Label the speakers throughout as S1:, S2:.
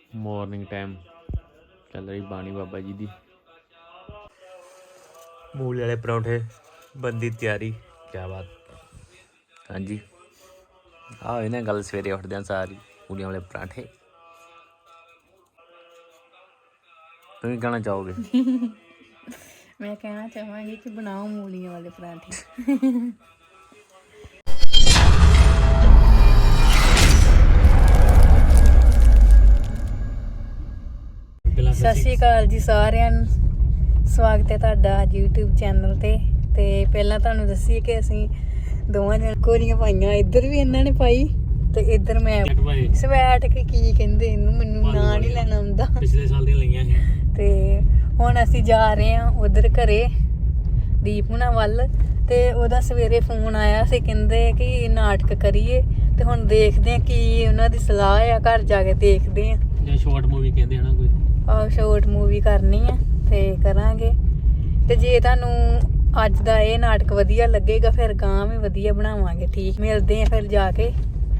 S1: Morning time चल रही बाणी बाबा जी दी। मूली वाले परौंठे बनदी तैयारी। क्या बात। हाँ जी आओ इन्हें गल सवेरे उठदे सारी मूलियां वाले पराठे। तुम कहना चाहोगे?
S2: मैं कहना चाहूँगी कि बनाओ मूलियों वाले पराठे। ਸਤਿ ਸ਼੍ਰੀ ਅਕਾਲ ਜੀ ਸਾਰਿਆਂ ਨੂੰ। ਸਵਾਗਤ ਹੈ ਤੁਹਾਡਾ ਅੱਜ YouTube ਚੈਨਲ ਤੇ ਪਹਿਲਾਂ ਤੁਹਾਨੂੰ ਦੱਸੀਏ ਕਿ ਅਸੀਂ ਦੋਵਾਂ ਜਣ ਕੋਰੀਆਂ ਪਾਈਆਂ। ਇੱਧਰ ਵੀ ਇਹਨਾਂ ਨੇ ਪਾਈ ਤੇ ਇੱਧਰ ਮੈਂ ਸਵੈਟ ਕੇ ਕੀ ਕਹਿੰਦੇ ਇਹਨੂੰ, ਮੈਨੂੰ ਨਾਂ ਨਹੀਂ ਲੈਣਾ ਆਉਂਦਾ।
S1: ਪਿਛਲੇ ਸਾਲ ਦੀਆਂ ਲਈਆਂ ਸੀ
S2: ਤੇ ਹੁਣ ਅਸੀਂ ਜਾ ਰਹੇ ਹਾਂ ਉਧਰ ਘਰੇ ਦੀਪ ਹੁਣਾਂ ਵੱਲ। ਤੇ ਉਹਦਾ ਸਵੇਰੇ ਫੋਨ ਆਇਆ ਸੀ, ਕਹਿੰਦੇ ਕਿ ਨਾਟਕ ਕਰੀਏ ਤੇ ਹੁਣ ਦੇਖਦੇ ਆ ਕੀ ਉਹਨਾਂ ਦੀ ਸਲਾਹ ਆ। ਘਰ ਜਾ ਕੇ ਦੇਖਦੇ ਆ
S1: ਜਾਂ ਸ਼ਾਰਟ ਮੂਵੀ ਕਹਿੰਦੇ ਹਨਾ ਕੋਈ।
S2: ਆਹ ਸ਼ਾਰਟ ਮੂਵੀ ਕਰਨੀ ਆ ਤੇ ਕਰਾਂਗੇ। ਤੇ ਜੇ ਤੁਹਾਨੂੰ ਅੱਜ ਦਾ ਇਹ ਨਾਟਕ ਵਧੀਆ ਲੱਗੇਗਾ ਫਿਰ ਗਾਂ ਵੀ ਵਧੀਆ ਬਣਾਵਾਂਗੇ। ਠੀਕ, ਮਿਲਦੇ ਆ ਫਿਰ ਜਾ ਕੇ।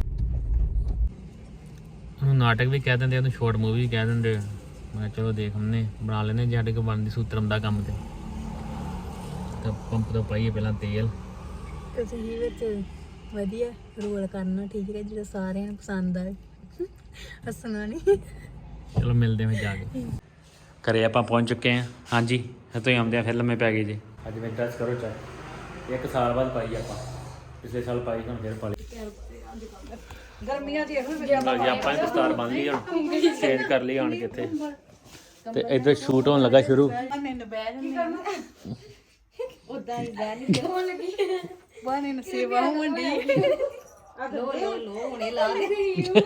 S1: ਉਹਨੂੰ ਨਾਟਕ ਵੀ ਕਹਿ ਦਿੰਦੇ, ਉਹਨੂੰ ਸ਼ਾਰਟ ਮੂਵੀ ਵੀ ਕਹਿ ਦਿੰਦੇ। ਮੈਂ ਚਲੋ ਦੇਖ ਹਮਨੇ ਬਣਾ ਲੈਨੇ ਜੇ ਸਾਡੇ ਕੋਲ ਬਣਦੀ ਸੂਤਰਮ ਦਾ ਕੰਮ ਤੇ ਪੰਪ ਤੋਂ ਪਾਈਏ ਪਹਿਲਾਂ ਤੇਲ।
S2: ਤੁਸੀਂ ਵਿੱਚ ਵਧੀਆ ਰੋਲ ਕਰਨਾ, ਠੀਕ ਹੈ, ਜਿਹੜਾ ਸਾਰਿਆਂ ਨੂੰ ਪਸੰਦ ਆਏ। ਹੱਸਣਾ ਨਹੀਂ।
S1: ਚਲੋ ਮਿਲਦੇ ਹਾਂ ਜਾ ਕੇ। ਘਰੇ ਆਪਾਂ ਪਹੁੰਚ ਚੁੱਕੇ ਹਾਂ। ਹਾਂਜੀ ਤੁਸੀਂ ਆਉਂਦੇ ਆ ਫਿਰ ਲੰਮੇ ਪੈ ਗਏ ਜੀ। ਅੱਜ ਮੈਂ ਡਰੈਸ ਕਰੋ ਚੈੱਕ। 1 ਸਾਲ ਬਾਅਦ ਪਾਈ ਆਪਾਂ, ਪਿਛਲੇ ਸਾਲ ਪਾਈ ਹੁਣ ਫਿਰ ਪਾ ਲਈ।
S2: ਗਰਮੀਆਂ ਦੀ ਇਹੋ
S1: ਜੀ ਆਪਾਂ ਨੇ ਦਸਤਾਰ ਬੰਨ ਲਈ, ਹੁਣ ਚੇਂਜ ਕਰ ਲਈ ਆਣ ਕੇ ਇੱਥੇ। ਤੇ ਇੱਧਰ ਸ਼ੂਟ ਹੋਣ ਲੱਗਾ ਸ਼ੁਰੂ।
S2: ਮੈਨੂੰ ਬਹਿ ਜਾਂਦੇ ਉਦਾਂ ਹੀ ਬਹਿ ਨਹੀਂ ਹੋਣ ਲੱਗੀ ਬਾਨੇ ਨੂੰ ਸੇਵਾ ਹੋਣ ਦੀ। ਲੋ ਹੁਣੇ ਲਾ ਦੇ।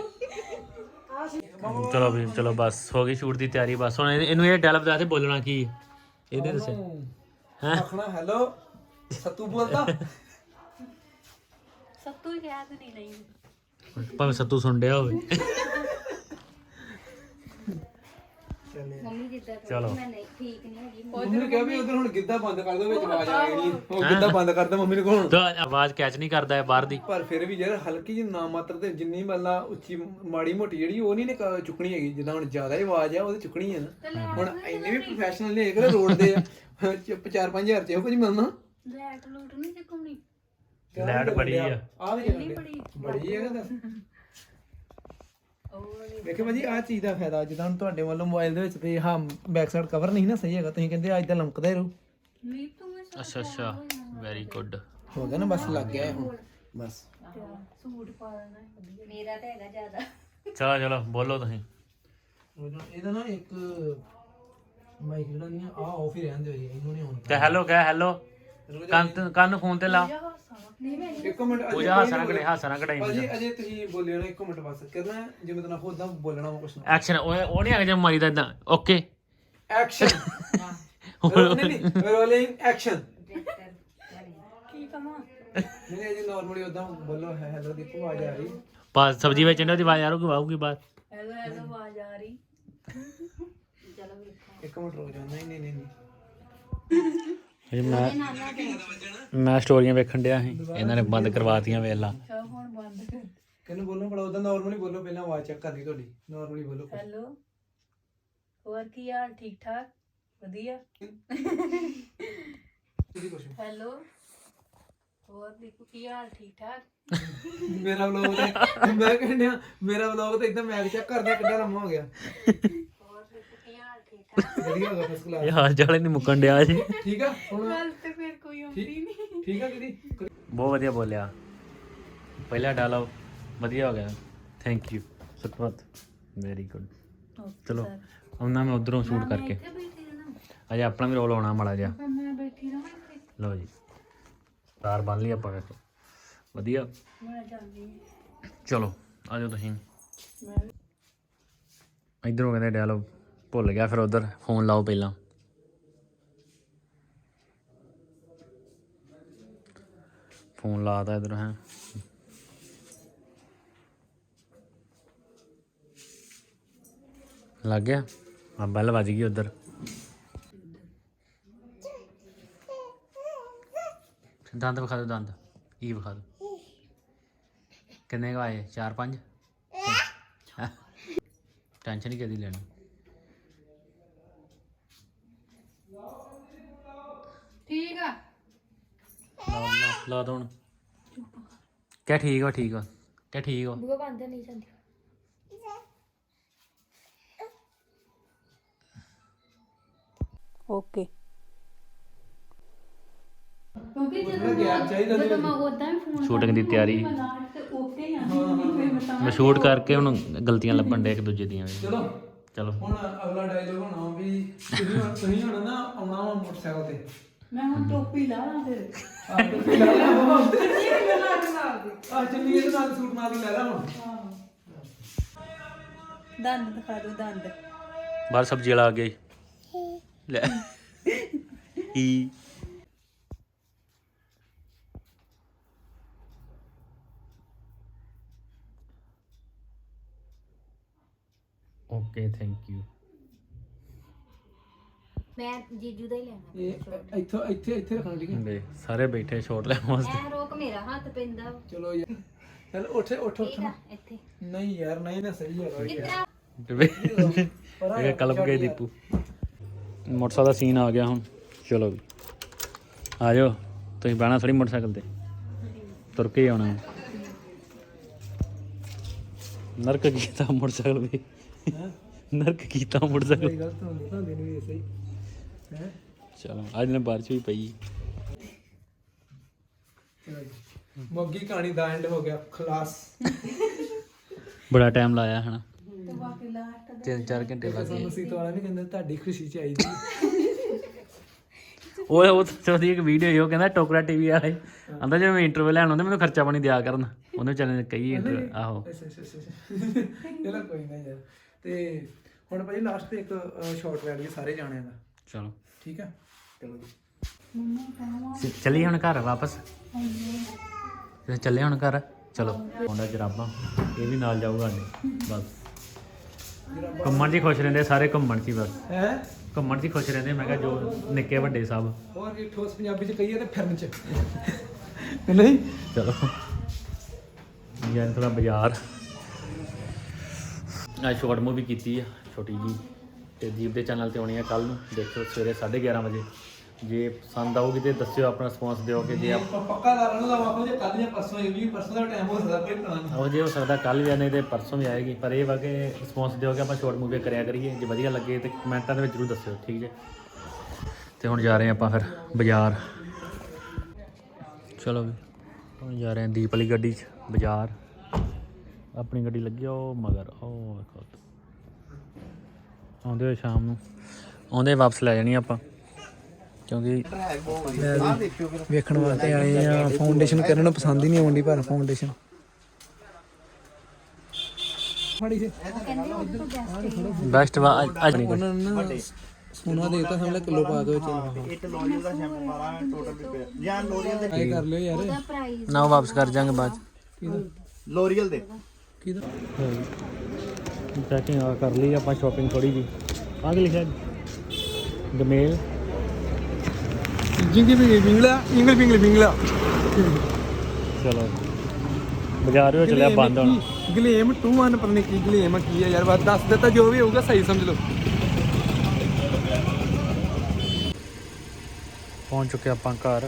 S1: ਚਲੋ ਵੀ ਚਲੋ ਬਸ ਹੋ ਗਈ ਸ਼ੂਟ ਦੀ ਤਿਆਰੀ। ਬਸ ਹੁਣ ਇਹਨੂੰ ਇਹ ਡਾਇਲੌਗ ਦੱਸ ਦੇ ਬੋਲਣਾ ਕੀ ਇਹਦੇ ਦੱਸੇ ਹੈ।
S3: ਆਖਣਾ ਹੈਲੋ ਸੱਤੂ ਬੋਲਦਾ।
S2: ਸੱਤੂ ਹੀ ਕਹਿ ਤੇ ਨਹੀਂ
S1: ਭਾਵੇਂ ਸੱਤੂ ਸੁਣ ਡਿਆ ਹੋਵੇ।
S2: ਮੰਮੀ ਜਿੱਦਾਂ
S1: ਚਲੋ
S2: ਮੈਂ ਨਹੀਂ ਠੀਕ ਨਹੀਂ ਹੈਗੀ।
S3: ਮੰਮੀ ਨੇ ਕਿਹਾ ਵੀ ਉਧਰ ਹੁਣ ਗਿੱਧਾ ਬੰਦ ਕਰ ਦੋ, ਵਿੱਚ ਆਵਾਜ਼ ਆ ਗਈ। ਉਹ ਗਿੱਧਾ ਬੰਦ ਕਰਦਾ ਮੰਮੀ ਨੂੰ ਕੋਣ।
S1: ਤਾਂ ਆਵਾਜ਼ ਕੈਚ ਨਹੀਂ ਕਰਦਾ ਹੈ ਬਾਹਰ ਦੀ।
S3: ਪਰ ਫਿਰ ਵੀ ਯਾਰ ਹਲਕੀ ਜਿਹੀ ਨਾ ਮਾਤਰ ਤੇ ਜਿੰਨੀ ਮਤਲਬ ਉੱਚੀ ਮਾੜੀ ਮੋਟੀ ਜਿਹੜੀ ਉਹ ਨਹੀਂ ਨੇ ਚੁੱਕਣੀ ਹੈਗੀ। ਜਿੱਦਾਂ ਹੁਣ ਜ਼ਿਆਦਾ ਹੀ ਆਵਾਜ਼ ਆ ਉਹਦੀ ਚੁੱਕਣੀ ਹੈ ਨਾ। ਹੁਣ ਇੰਨੇ ਵੀ ਪ੍ਰੋਫੈਸ਼ਨਲ ਨਹੀਂ ਹੈਗੇ ਰੋਡ ਦੇ 4-5 ਹਜ਼ਾਰ ਚ ਇਹੋ ਕੁਝ ਮਿਲਣਾ।
S2: ਲੈਟ ਲੂਟ ਨਹੀਂ ਚੱਕਣੀ।
S1: ਲੈਟ ਬੜੀ ਆ।
S3: ਆ ਵੀ ਬੜੀ ਹੈਗਾ ਦੱਸ। ਵੇਖੋ ਭਾਜੀ ਆਹ ਚੀਜ਼ ਦਾ ਫਾਇਦਾ ਜਿੱਦਾਂ ਹੁਣ ਤੁਹਾਡੇ ਵੱਲੋਂ ਮੋਬਾਈਲ ਦੇ ਵਿੱਚ ਤੇ ਹਾਂ ਬੈਕ ਸਾਈਡ ਕਵਰ ਨਹੀਂ ਨਾ ਸਹੀ ਹੈਗਾ, ਤੁਸੀਂ ਕਹਿੰਦੇ ਅੱਜ ਤਾਂ ਲਮਕਦਾ ਹੀ ਰਹੂ।
S1: ਅੱਛਾ ਅੱਛਾ ਵੈਰੀ ਗੁੱਡ।
S3: ਹੋ ਗਿਆ ਨਾ, ਬਸ ਲੱਗ ਗਿਆ ਹੁਣ ਬਸ।
S2: ਸੂਟ ਪਾ ਦੇਣਾ ਮੇਰਾ ਤਾਂ ਹੈਗਾ ਜ਼ਿਆਦਾ।
S1: ਚਲੋ ਚਲੋ ਬੋਲੋ ਤੁਸੀਂ।
S3: ਇਹਦਾ ਨਾ ਇੱਕ ਮਾਈਕ ਜਿਹੜਾ ਨਹੀਂ ਆ ਆਫ ਹੀ ਰਹਿੰਦੇ ਹੋਈ ਇਹਨੂੰ ਨਹੀਂ ਆਨ
S1: ਤੇ ਹੈਲੋ ਕਹਿ ਹੈਲੋ। ਕੰਨ ਫੋਨ ਤੇ ਲਾ।
S3: ਇੱਕ ਮਿੰਟ
S1: ਪੂਜਾ ਹੱਸਣਾ ਕਢਾਈ
S3: ਭਾਜੀ ਅਜੇ ਤੁਸੀਂ ਬੋਲਿਓ ਨਾ 1 ਮਿੰਟ ਬਸ ਕਰਨਾ ਜਿਵੇਂ ਤੁਹਾਨੂੰ ਖੁਦ ਬੋਲਣਾ ਵਾ ਕੁਛ ਨਾ।
S1: ਐਕਸ਼ਨ ਉਹ ਨਹੀਂ ਹੈਗਾ ਜੇ ਮਾਰੀਦਾ ਇਦਾਂ। ਓਕੇ
S3: ਐਕਸ਼ਨ ਨਹੀਂ ਰੋਲਿੰਗ ਐਕਸ਼ਨ।
S2: ਕੀ ਕਮਾਂ
S3: ਨਹੀਂ ਅਜੇ ਨਾਰਮਲੀ ਉਦਾਂ ਬੋਲੋ ਹੈਲੋ ਦੀ ਆਵਾਜ਼ ਆ ਰਹੀ।
S1: ਬਸ ਸਬਜ਼ੀ ਵੇਚਣ ਦੀ ਆਵਾਜ਼ ਆਊਗੀ ਬਾਅਦ।
S2: ਹੈਲੋ ਹੈਲੋ ਆਵਾਜ਼ ਆ ਰਹੀ। ਚਲੋ ਵੇਖੋ
S3: 1 ਮਿੰਟ ਰੁਕ ਜਾ। ਨਹੀਂ
S1: ਮੈਂ ਸਟੋਰੀਆਂ ਵੇਖਣ ਡਿਆ ਸੀ, ਇਹਨਾਂ ਨੇ ਬੰਦ ਕਰਵਾਤੀਆਂ। ਵੇਖ ਲਾ
S2: ਹੁਣ ਬੰਦ ਕਰ।
S3: ਕਿਹਨੂੰ ਬੋਲਣਾ ਪੜਾ ਉਦਾਂ ਨਾਰਮਲੀ ਬੋਲੋ, ਪਹਿਲਾਂ ਆਵਾਜ਼ ਚੈੱਕ ਕਰਨੀ ਤੁਹਾਡੀ। ਨਾਰਮਲੀ ਬੋਲੋ।
S2: ਹੈਲੋ ਹੋਰ ਕੀ ਹਾਲ? ਠੀਕ ਠਾਕ ਵਧੀਆ। ਹੈਲੋ ਹੋਰ ਦੇਖੋ ਕੀ ਹਾਲ? ਠੀਕ ਠਾਕ।
S3: ਮੇਰਾ ਵਲੌਗ ਤੇ ਮੈਂ ਕਹਿੰਦਾ ਮੇਰਾ ਵਲੌਗ ਤੇ ਇੱਕਦਮ ਮੈਗ ਚੈੱਕ ਕਰਦਾ ਕਿੱਡਾ ਲੰਮਾ ਹੋ ਗਿਆ।
S2: ਹੋਰ ਦੇਖੋ ਕੀ ਹਾਲ? ਠੀਕ ਠਾਕ
S3: ਵਧੀਆ ਹੋ ਗਿਆ ਫਸਟ
S1: ਇਹ
S3: ਕਲਾਸ।
S1: ਹਾਲ ਚਾਲ ਨਹੀਂ ਮੁੱਕਣ ਡਿਆ ਜੀ।
S3: ਠੀਕ ਆ ਹੁਣ
S2: ਗੱਲ ਤੇ ਫਿਰ ਕੋਈ ਆਉਂਦੀ ਨਹੀਂ।
S3: ਠੀਕ ਆ ਦੀਦੀ।
S1: ਬਹੁਤ ਵਧੀਆ ਬੋਲਿਆ। ਪਹਿਲਾ ਡਾਇਲੌਗ ਵਧੀਆ ਹੋ ਗਿਆ। Thank you Sukhmat very good. ਚਲੋ ਆਉਣਾ ਮੈਂ ਉਧਰੋਂ ਸ਼ੂਟ ਕਰਕੇ। ਅਜੇ ਆਪਣਾ ਵੀ ਰੋਲ ਆਉਣਾ ਮਾੜਾ ਜਿਹਾ।
S2: ਮੈਂ ਬੈਠੀ ਰਹਾਂ ਇੱਥੇ।
S1: ਲਓ ਜੀ ਤਾਰ ਬੰਨ ਲਈ ਆਪਾਂ। ਵੇਖੋ ਵਧੀਆ।
S2: ਮੈਂ ਜਾਂਦੀ ਹਾਂ।
S1: ਚਲੋ ਆ ਜਾਓ ਤੁਸੀਂ। ਇੱਧਰੋਂ ਕਹਿੰਦੇ ਡਾਇਲੌਗ ਭੁੱਲ ਗਿਆ, ਫਿਰ ਉਧਰ ਫੋਨ ਲਾਓ ਪਹਿਲਾਂ। ਫੋਨ ਲਾਤਾ ਇੱਧਰ ਹੈ। ਲੱਗ ਗਿਆ ਆ ਬੈਲ ਵੱਜ ਗਈ ਉਧਰ। ਦੰਦ ਵਿਖਾ ਦਿਓ। ਦੰਦ ਕੀ ਵਿਖਾ ਦਿਓ। ਕਿੰਨੇ ਕੁ ਆਏ? 4-5 ਟੈਨਸ਼ਨ ਹੀ ਕਦੀ ਲੈਣੀ।
S2: ਠੀਕ ਆ
S1: ਲਾ ਦੋ ਹੁਣ। ਕਿਆ ਠੀਕ ਵਾ ਠੀਕ ਵਾ ਕਿਆ ਠੀਕ ਵਾ।
S2: ਬੂਆ ਬੰਦ ਨਹੀਂ ਜਾਂਦੀ। ਓਕੇ ਕਿਉਂਕਿ
S3: ਗੈਪ ਚਾਹੀਦਾ
S2: ਜਦੋਂ ਮੈਂ ਉਦਾਂ ਵੀ ਫੋਨ
S1: ਸ਼ੂਟਿੰਗ ਦੀ ਤਿਆਰੀ
S2: ਤੇ ਓਕੇ ਆ ਨਹੀਂ
S1: ਮੈਂ ਸ਼ੂਟ ਕਰਕੇ ਹੁਣ ਗਲਤੀਆਂ ਲੱਭਣ ਡੇ ਇੱਕ ਦੂਜੇ ਦੀਆਂ ਵੀ।
S3: ਚਲੋ
S1: ਚਲੋ
S3: ਹੁਣ ਅਗਲਾ ਡਾਇਲੋਗ ਹੋਣਾ ਵੀ ਤੁਸੀਂ ਹੁਣ ਨਾ ਆਉਣਾ ਵਾ ਮੋਟਰਸਾਈਕਲ ਤੇ।
S2: ਮੈਂ ਹੁਣ ਟੋਪੀ ਲਾ ਲਾਂ ਫਿਰ
S3: ਆ ਟੋਪੀ ਲਾ ਲਾ ਆ ਚੰਨੀ ਇਹਦੇ ਨਾਲ ਸੂਟ ਨਾਲ ਹੀ ਲੈ ਲਾ ਹੁਣ।
S2: ਦੰਦ ਦਿਖਾ ਦੋ ਦੰਦ।
S1: ਬਾਹਰ ਸਬਜ਼ੀ ਵਾਲਾ ਆ ਗਿਆ ਈ। ਲੈ ਈ ਓਕੇ ਥੈਂਕ ਯੂ।
S4: ਮੈਂ ਜੀਜੂ ਦਾ ਹੀ ਲੈਣਾ।
S3: ਇਹ ਇੱਥੇ ਰੱਖਣਾ ਠੀਕ ਹੈ।
S1: ਦੇ ਸਾਰੇ ਬੈਠੇ ਸ਼ੋਟ ਲੈਣ ਵਾਸਤੇ।
S4: ਐ ਰੋਕ ਮੇਰਾ ਹੱਥ ਪੈਂਦਾ ਵਾ।
S3: ਚਲੋ ਯਾਰ ਚੱਲ ਉੱਠ
S4: ਠੀਕ ਆ ਇੱਥੇ।
S3: ਨਹੀਂ ਯਾਰ ਨਹੀਂ ਨਾ ਸਹੀ ਹੈ
S4: ਕਿਤਰਾ
S1: ਇਹ ਕਲਪ ਗਏ ਦੀਪੂ। ਮੋਟਰਸਾਈਕਲ ਦਾ ਸੀਨ ਆ ਗਿਆ ਹੁਣ। ਚਲੋ ਵੀ ਆ ਜਾਓ ਤੁਸੀਂ ਬਹਿਣਾ ਥੋੜੀ ਮੋਟਰਸਾਈਕਲ ਤੇ ਤੁਰ ਕੇ ਹੀ ਆਉਣਾ। ਨਰਕ ਕੀਤਾ ਮੋਟਰਸਾਈਕਲ ਵੀ ਨਰਕ ਕੀਤਾ ਮੋਟਰਸਾਈਕਲ।
S3: ਗਲਤ ਹੁੰਦੀ ਨਹੀਂ ਸਹੀ ਹੈ।
S1: ਚਲੋ ਅੱਜ ਨੇ ਬਾਰਿਸ਼ ਵੀ ਪਈ।
S3: ਮੋਗੀ ਕਹਾਣੀ ਦਾ ਐਂਡ ਹੋ ਗਿਆ ਖਲਾਸ।
S1: ਬੜਾ ਟਾਈਮ ਲਾਇਆ ਹਨਾ 3-4 ਘੰਟੇ ਲੱਗ ਗਏ।
S3: ਸਾਨੂੰ ਸੀਤ ਵਾਲਾ ਵੀ ਕਹਿੰਦਾ ਤੁਹਾਡੀ ਖੁਸ਼ੀ ਚਾਹੀਦੀ।
S1: ਉਹ ਚੌਥੀ ਇੱਕ ਵੀਡੀਓ ਹੀ ਉਹ ਕਹਿੰਦਾ ਟੋਕਰਾ ਟੀਵੀ ਵਾਲੇ ਆਂਦਾ ਜਦੋਂ ਮੈਂ ਇੰਟਰਵਿਊ ਲੈਣ ਆਉਂਦੇ ਮੈਨੂੰ ਖਰਚਾ ਪਾਣੀ ਦਿਆ ਕਰਨ। ਉਹਨੇ ਚੱਲ ਕਈ ਆਹੋ
S3: ਚਲੋ ਕੋਈ ਨਾ ਯਾਰ। ਤੇ ਹੁਣ ਭਾਈ ਲਾਸਟ ਤੇ ਇੱਕ ਸ਼ਾਰਟ ਲੈ ਲਈਏ ਸਾਰੇ ਜਾਣਿਆਂ ਦਾ।
S1: ਚਲੋ
S3: ਠੀਕ ਆ ਚਲੋ ਜੀ।
S1: ਚੱਲੀਏ ਹੁਣ ਘਰ ਵਾਪਸ। ਚੱਲੇ ਹੁਣ ਘਰ ਚਲੋ। ਮੁੰਡਾ ਜਰਾਬਾਂ ਇਹ ਵੀ ਨਾਲ ਜਾਊਗਾ ਸਾਡੇ ਬਸ। ਘੁੰਮਣ 'ਚ ਹੀ ਖੁਸ਼ ਰਹਿੰਦੇ ਸਾਰੇ ਘੁੰਮਣ 'ਚ ਹੀ ਬਸ।
S3: ਹੈ
S1: ਘੁੰਮਣ 'ਚ ਹੀ ਖੁਸ਼ ਰਹਿੰਦੇ ਮੈਂ ਕਿਹਾ ਜੋ ਨਿੱਕੇ ਵੱਡੇ ਸਭ।
S3: ਹੋਰ ਵੀ ਠੋਸ ਪੰਜਾਬੀ ਚ ਕਹੀਏ ਤੇ ਫਿਰਨ ਚ ਨਹੀਂ।
S1: ਚਲੋ ਯਾਰ ਥੋੜਾ ਬਾਜ਼ਾਰ ਅੱਜ ਸ਼ਾਰਟ ਮੂਵੀ ਕੀਤੀ ਆ ਛੋਟੀ ਜੀ ਤੇ ਦੀਪ ਦੇ ਚੈਨਲ ਤੇ ਆਉਣੀ ਆ ਕੱਲ ਨੂੰ। ਦੇਖੋ ਸਵੇਰੇ 11:30 ਵਜੇ। ਜੇ ਪਸੰਦ ਆਊਗੀ ਤੇ ਦੱਸਿਓ ਆਪਣਾ ਰਿਸਪੌਂਸ ਦਿਓ ਕਿ ਜੇ
S3: ਪੱਕਾ ਲਾ ਲੈਣਾ ਵਾ ਜੇ ਕੱਲ ਜਾਂ ਪਰਸੋਂ ਇਹ ਵੀ ਪਰਸੋਂ ਦਾ ਟਾਈਮ ਹੋ ਸਕਦਾ ਕੋਈ ਪਤਾ ਨਹੀਂ।
S1: ਉਹ ਜੇ ਹੋ ਸਕਦਾ ਕੱਲ ਵੀ ਆਣੇ ਤੇ ਪਰਸੋਂ ਵੀ ਆਏਗੀ। ਪਰ ਇਹ ਵਾ ਕਿ ਰਿਸਪੌਂਸ ਦਿਓ ਕਿ ਆਪਾਂ ਸ਼ਾਰਟ ਮੂਵੀ ਕਰਿਆ ਕਰੀਏ। ਜੇ ਵਧੀਆ ਲੱਗੇ ਤੇ ਕਮੈਂਟਾਂ ਦੇ ਵਿੱਚ ਜ਼ਰੂਰ ਦੱਸਿਓ ਠੀਕ ਜੇ। ਤੇ ਹੁਣ ਜਾ ਰਹੇ ਆਪਾਂ ਫਿਰ ਬਾਜ਼ਾਰ। ਚਲੋ ਵੀ ਹੁਣ ਜਾ ਰਹੇ ਹਾਂ ਦੀਪ ਵਾਲੀ ਗੱਡੀ 'ਚ ਬਾਜ਼ਾਰ। ਆਪਣੀ ਗੱਡੀ ਲੱਗੀ ਉਹ ਮਗਰ ਉਹ ਵੇਖੋ। ਆਉਂਦੇ ਹੋਏ ਸ਼ਾਮ ਨੂੰ ਆਉਂਦੇ ਵਾਪਸ ਲੈ ਜਾਣੀ ਆਪਾਂ ਕਿਉਂਕਿ
S3: ਵੇਖਣ ਵਾਸਤੇ ਆਏ ਆ। ਫਾਊਂਡੇਸ਼ਨ ਕਰਨ ਨੂੰ ਪਸੰਦ ਹੀ ਨਹੀਂ ਆਉਂਦੀ ਪਰ ਫਾਊਂਡੇਸ਼ਨ
S1: ਬੈਸਟ ਅੱਜ ਨਹੀਂ
S3: ਉਹਨਾਂ ਨੇ ਨਾ ਸੋਨਾ ਦੇਤਾ ਸਮਝ ਲੈ ਕਿਲੋ ਪਾ ਕੇ ਵਿੱਚ।
S5: ਇੱਕ ਲੋਰੀਅਲ ਦਾ ਸ਼ੈਂਪੂ ਵਾਲਾ ਟੋਟਲ ਵੀ ਜਾਂ ਲੋਰੀਅਲ ਦੇ
S3: ਆਏ ਕਰ ਲਿਓ ਯਾਰ।
S4: ਉਹਦਾ ਪ੍ਰਾਈਸ
S1: ਨਾ ਵਾਪਸ ਕਰ ਜਾਾਂਗੇ ਬਾਅਦ
S5: ਲੋਰੀਅਲ ਦੇ
S3: ਕਿਹਦਾ
S1: ਪੈਕਿੰਗ ਕਰ ਲਈ ਆਪਾਂ ਸ਼ਾਪਿੰਗ ਥੋੜੀ ਜੀ। ਆਹ ਕੀ ਲਿਖਿਆ ਗਮੇਲ
S3: ਜਿੰਗੀ ਵੀ ਬਿੰਗਲਾ ਇੰਗਲ ਬਿੰਗਲਾ
S1: ਚਲੋ ਬਾਜ਼ਾਰ ਵਿੱਚ ਚੱਲਿਆ ਬੰਦ ਹੁਣ।
S3: ਗਲੇਮ 2-1 ਪਤਾ ਨਹੀਂ ਕੀ ਗਲੇਮ ਕੀ ਹੈ ਯਾਰ। ਬਸ ਦੱਸ ਦਿੱਤਾ ਜੋ ਵੀ ਹੋਊਗਾ ਸਹੀ ਸਮਝ ਲਓ।
S1: ਪਹੁੰਚ ਚੁੱਕੇ ਆਪਾਂ ਘਰ।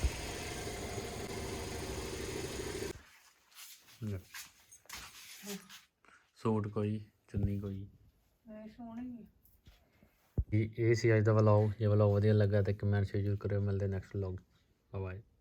S1: ਸੂਟ ਕੋਈ ਚੁੰਨੀ ਕੋਈ ਇਹ ਸੀ ਅੱਜ ਦਾ ਵਲੌਗ। ਜੇ ਵਲੌਗ ਵਧੀਆ ਲੱਗਾ ਤਾਂ ਕਮੈਂਟ ਸ਼ੇਅਰ ਜ਼ਰੂਰ ਕਰਿਓ। ਮਿਲਦੇ ਨੈਕਸਟ ਵਲੌਗ। ਬਾਏ।